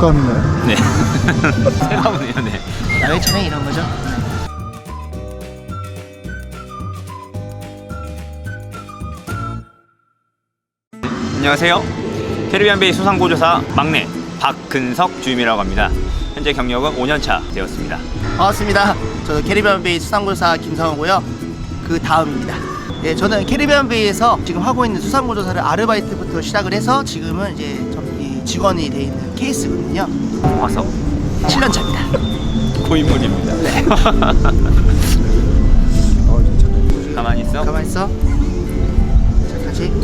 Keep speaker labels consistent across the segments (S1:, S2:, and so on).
S1: 독감인가요?
S2: 네. 새가 오네요. 네.
S3: 야외 촬영 이런 거죠.
S2: 안녕하세요. 캐리비안 베이 수상보조사 막내 박근석 주임이라고 합니다. 현재 경력은 5년차 되었습니다.
S3: 반갑습니다. 저는 캐리비안 베이 수상보조사 김성호고요. 그 다음입니다. 예, 저는 캐리비안 베이에서 지금 하고 있는 수상보조사를 아르바이트부터 시작을 해서 지금은 이제 직원이 돼 있는 케이스거든요.
S2: 와서
S3: 7년 차입니다.
S2: 고인물입니다.
S3: 네.
S2: 가만히 있어.
S3: 가만 있어. 자, 다시.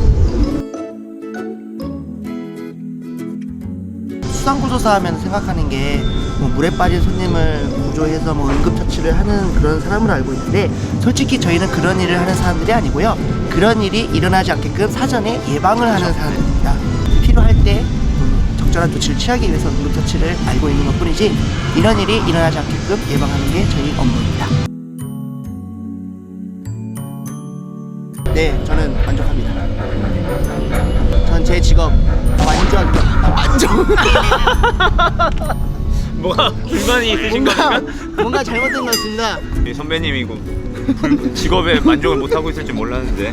S3: 수상구조사 하면 생각하는 게 뭐 물에 빠진 손님을 구조해서 뭐 응급처치를 하는 그런 사람으로 알고 있는데, 솔직히 저희는 그런 일을 하는 사람들이 아니고요. 그런 일이 일어나지 않게끔 사전에 예방을 하는 사람입니다. 필요할 때 적절한 조치를 취하기 위해서 응급처치를 알고 있는 것뿐이지, 이런 일이 일어나지 않게끔 예방하는 게 저희 업무입니다. 네, 저는 만족합니다. 전 제 직업 만족.
S2: 뭐가 불만이 있으신 겁니까?
S3: 뭔가 잘못된 것 같습니다.
S2: 선배님이고 직업에 만족을 못하고 있을지 몰랐는데.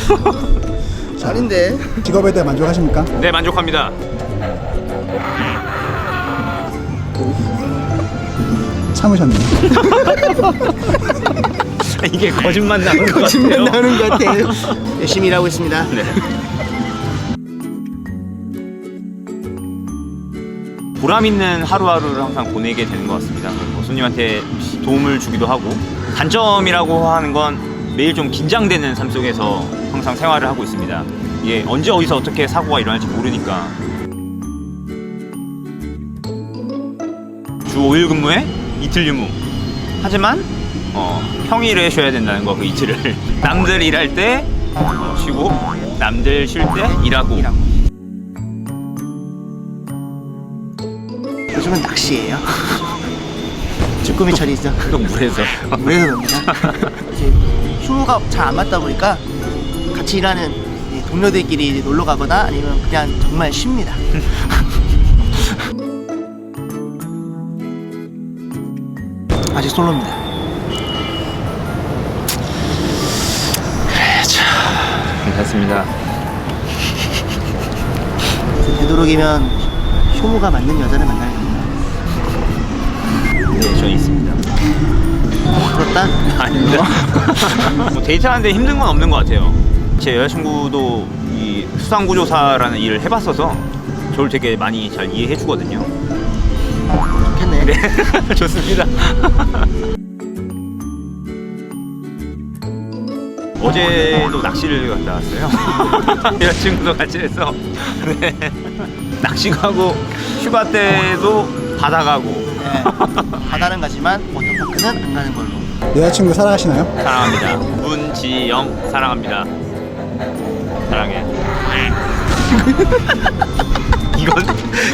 S3: 아닌데.
S1: 직업에 대해 만족하십니까?
S2: 네, 만족합니다.
S1: 참으셨네요.
S2: 이게 거짓말 나오는 것 같아요.
S3: 거짓말 나오는 것 같아요. 열심히 일하고 있습니다.
S2: 네. 보람 있는 하루하루를 항상 보내게 되는 것 같습니다. 뭐 손님한테 도움을 주기도 하고, 단점이라고 하는 건 매일 좀 긴장되는 삶 속에서 항상 생활을 하고 있습니다. 이게 언제 어디서 어떻게 사고가 일어날지 모르니까. 주 5일 근무에 이틀 유무. 하지만 평일에 쉬어야 된다는 거, 그 이틀을. 남들 일할 때 쉬고, 남들 쉴 때 일하고.
S3: 요즘은 낚시예요. 쭈꾸미철이죠.
S2: 또 물에서.
S3: 물에서 놉니다. 이제 휴무가 잘 안 맞다 보니까 같이 일하는 동료들끼리 이제 놀러 가거나 아니면 그냥 정말 쉽니다. 아직 솔로입니다.
S2: 괜찮습니다.
S3: 되도록이면 휴무가 맞는 여자를 만나야 됩니다.
S2: 네, 저는 있습니다.
S3: 부럽다?
S2: 아닙니다. 뭐 데이트하는데 힘든 건 없는 것 같아요. 제 여자친구도 이 수상구조사라는 일을 해봤어서 저를 되게 많이 잘 이해해 주거든요.
S3: 좋겠네.
S2: 네, 좋습니다. 어제도 낚시를 갔다 왔어요. 여자친구도 같이 해서. 네. 낚시 가고, 휴가 때도 바다 가고.
S3: 네. 바다는 가지만 워터파크는 안 가는 걸로.
S1: 여자친구 사랑하시나요?
S2: 사랑합니다. 문지영 사랑합니다. 사랑해. 이건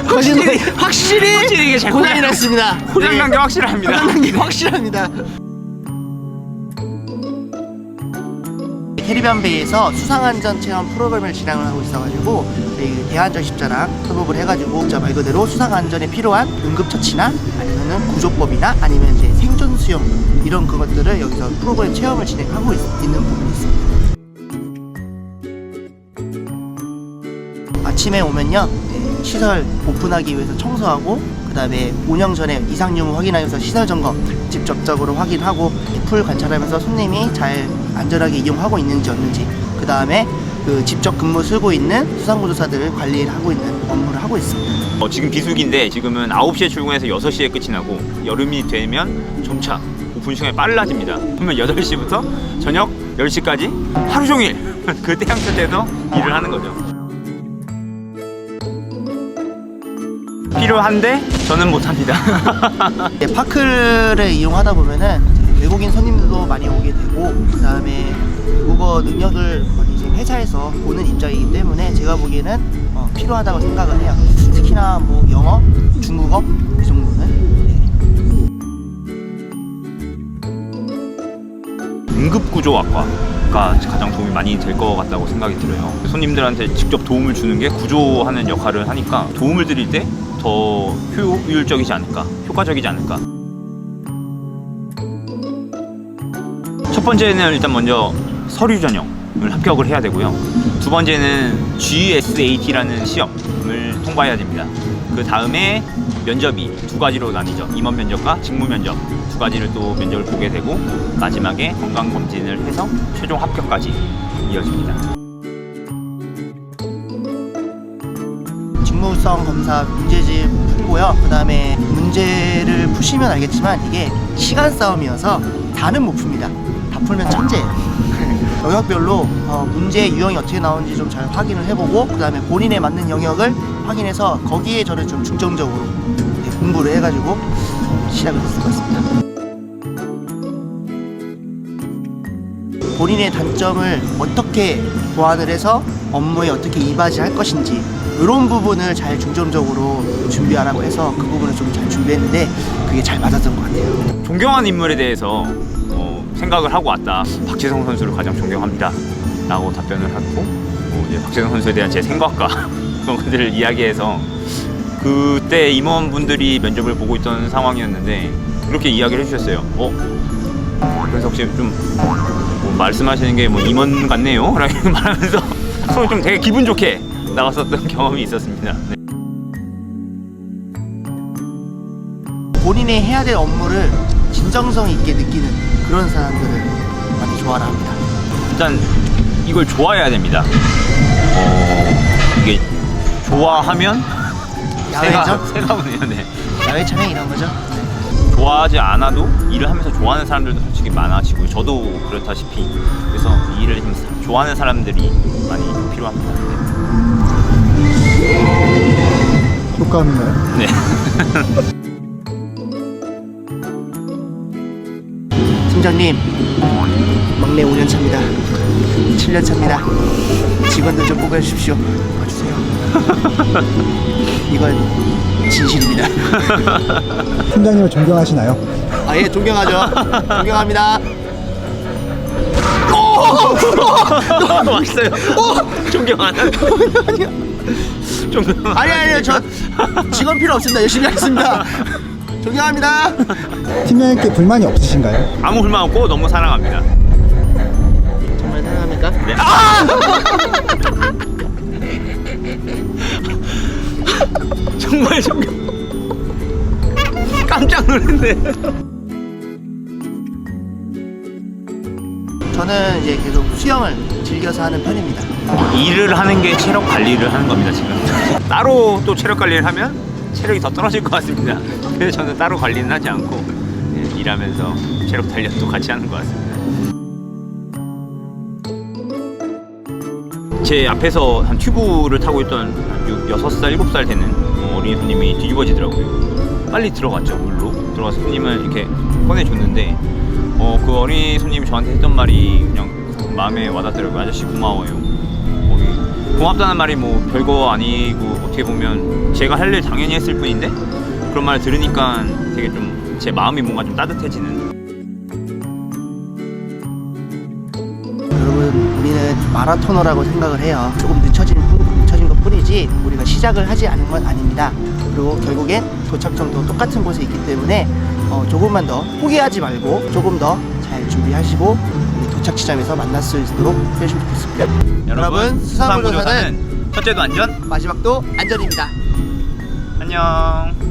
S3: 확실히
S2: 이게 잘
S3: 고장이 났습니다.
S2: 고장난 게 확실합니다.
S3: 고장난 게 확실합니다. 캐리비안 베이에서 수상안전 체험 프로그램을 진행을 하고 있어가지고, 저희 대안전 십자랑 협업을 해가지고 진짜 말 그대로 수상안전에 필요한 응급처치나 아니면은 구조법이나 아니면 이제 생존 수영 이런 그것들을 여기서 프로그램 체험을 진행하고 있는 부분이 있습니다. 아침에 오면요, 시설 오픈하기 위해서 청소하고, 그 다음에 운영 전에 이상 유무 확인하면서 시설 점검 직접적으로 확인하고, 풀 관찰하면서 손님이 잘 안전하게 이용하고 있는지 없는지, 그 다음에 그 직접 근무 쓰고 있는 수상구조사들을 관리를 하고 있는 업무를 하고 있습니다.
S2: 지금 비수기인데 지금은 9시에 출근해서 6시에 끝이 나고, 여름이 되면 점차 오픈 시간이 빨라집니다. 그러면 8시부터 저녁 10시까지 하루 종일 그 태양 끝에서 일을 하는 거죠. 필요한데 저는 못합니다.
S3: 파크를 이용하다 보면은 외국인 손님들도 많이 오게 되고, 그 다음에 국어 능력을 이제 회사에서 보는 입장이기 때문에 제가 보기에는 필요하다고 생각을 해요. 특히나 뭐 영어, 중국어 이 정도는.
S2: 응급구조학과. 가 가장 도움이 많이 될 것 같다고 생각이 들어요. 손님들한테 직접 도움을 주는 게 구조하는 역할을 하니까 도움을 드릴 때 더 효율적이지 않을까, 효과적이지 않을까. 첫 번째는 일단 먼저 서류 전형을 합격을 해야 되고요. 두 번째는 GSAT라는 시험을 통과해야 됩니다. 그 다음에 면접이 두 가지로 나뉘죠. 임원 면접과 직무 면접 두 가지를 또 면접을 보게 되고 마지막에 건강 검진을 해서 최종 합격까지 이어집니다.
S3: 직무성 검사 문제집 풀고요. 그 다음에 문제를 푸시면 알겠지만 이게 시간 싸움이어서 다는 못 풉니다. 다 풀면 천재예요. 영역별로 문제 유형이 어떻게 나오는지 좀 잘 확인을 해보고 그 다음에 본인에 맞는 영역을 확인해서 거기에 저는 좀 중점적으로 공부를 해가지고 시작을 했을 것 같습니다. 본인의 단점을 어떻게 보완을 해서 업무에 어떻게 이바지할 것인지 이런 부분을 잘 중점적으로 준비하라고 해서 그 부분을 좀 잘 준비했는데 그게 잘 맞았던 것 같아요.
S2: 존경하는 인물에 대해서 생각을 하고 왔다. 박지성 선수를 가장 존경합니다 라고 답변을 하고 이제 박지성 선수에 대한 제 생각과 그런 것들을 이야기해서 그때 임원분들이 면접을 보고 있던 상황이었는데 그렇게 이야기를 해주셨어요. 그래서 혹시 좀 뭐 말씀하시는 게 뭐 임원 같네요? 라고 말하면서 서로 좀 되게 기분 좋게 나갔었던 경험이 있었습니다. 네.
S3: 본인이 해야 될 업무를 진정성 있게 느끼는 그런 사람들을 많이 좋아라 합니다.
S2: 일단 이걸 좋아해야 됩니다. 이게 좋아하면
S3: 야외죠?
S2: 새가 오네요. 네.
S3: 야외 촬영 이런 거죠?
S2: 좋아하지 않아도 일을 하면서 좋아하는 사람들도 솔직히 많아지고 저도 그렇다시피 그래서 이 일을 좀 좋아하는 사람들이 많이 필요합니다.
S1: 효과음인가요?
S2: 네.
S3: 팀장님, 막내 5년 차입니다. 7년 차입니다. 직원들 좀 뽑아주십시오. 봐주세요. 이건 진실입니다.
S1: 팀장님을 존경하시나요?
S3: 아, 예, 존경하죠. 존경합니다.
S2: 왔어요. 존경하는. 존경.
S3: 아니요, 저 직원 필요 없습니다. 열심히 하겠습니다. 존경합니다.
S1: 팀장님께 불만이 없으신가요?
S2: 아무 불만 없고 너무 사랑합니다.
S3: 정말 사랑합니까?
S2: 네. 정말 존경. 깜짝 놀랐네.
S3: 저는 이제 계속 수영을 즐겨서 하는 편입니다.
S2: 일을 하는 게 체력 관리를 하는 겁니다 지금. 따로 또 체력 관리를 하면 체력이 더 떨어질 것 같습니다. 그래서 저는 따로 관리는 하지 않고 일하면서 체력 단련도 같이 하는 것 같습니다. 제 앞에서 한 튜브를 타고 있던 한 6살, 7살 되는 어린이 손님이 뒤집어지더라고요. 빨리 들어갔죠. 물로 들어가서 손님을 이렇게 꺼내줬는데 그 어린이 손님이 저한테 했던 말이 그냥 마음에 와닿더라고요. 아저씨 고마워요. 고맙다는 말이 뭐 별거 아니고 어떻게 보면 제가 할 일 당연히 했을 뿐인데 그런 말을 들으니까 되게 좀 제 마음이 뭔가 좀 따뜻해지는.
S3: 여러분, 우리는 마라토너라고 생각을 해요. 조금 늦춰진 것 뿐이지 우리가 시작을 하지 않은 건 아닙니다. 그리고 결국엔 도착점도 똑같은 곳에 있기 때문에 조금만 더 포기하지 말고 조금 더 잘 준비하시고 우리 도착 지점에서 만날 수 있도록 해주시면 좋겠습니다.
S2: 여러분, 수산구조사는 첫째도 안전,
S3: 마지막도 안전입니다.
S2: 안녕.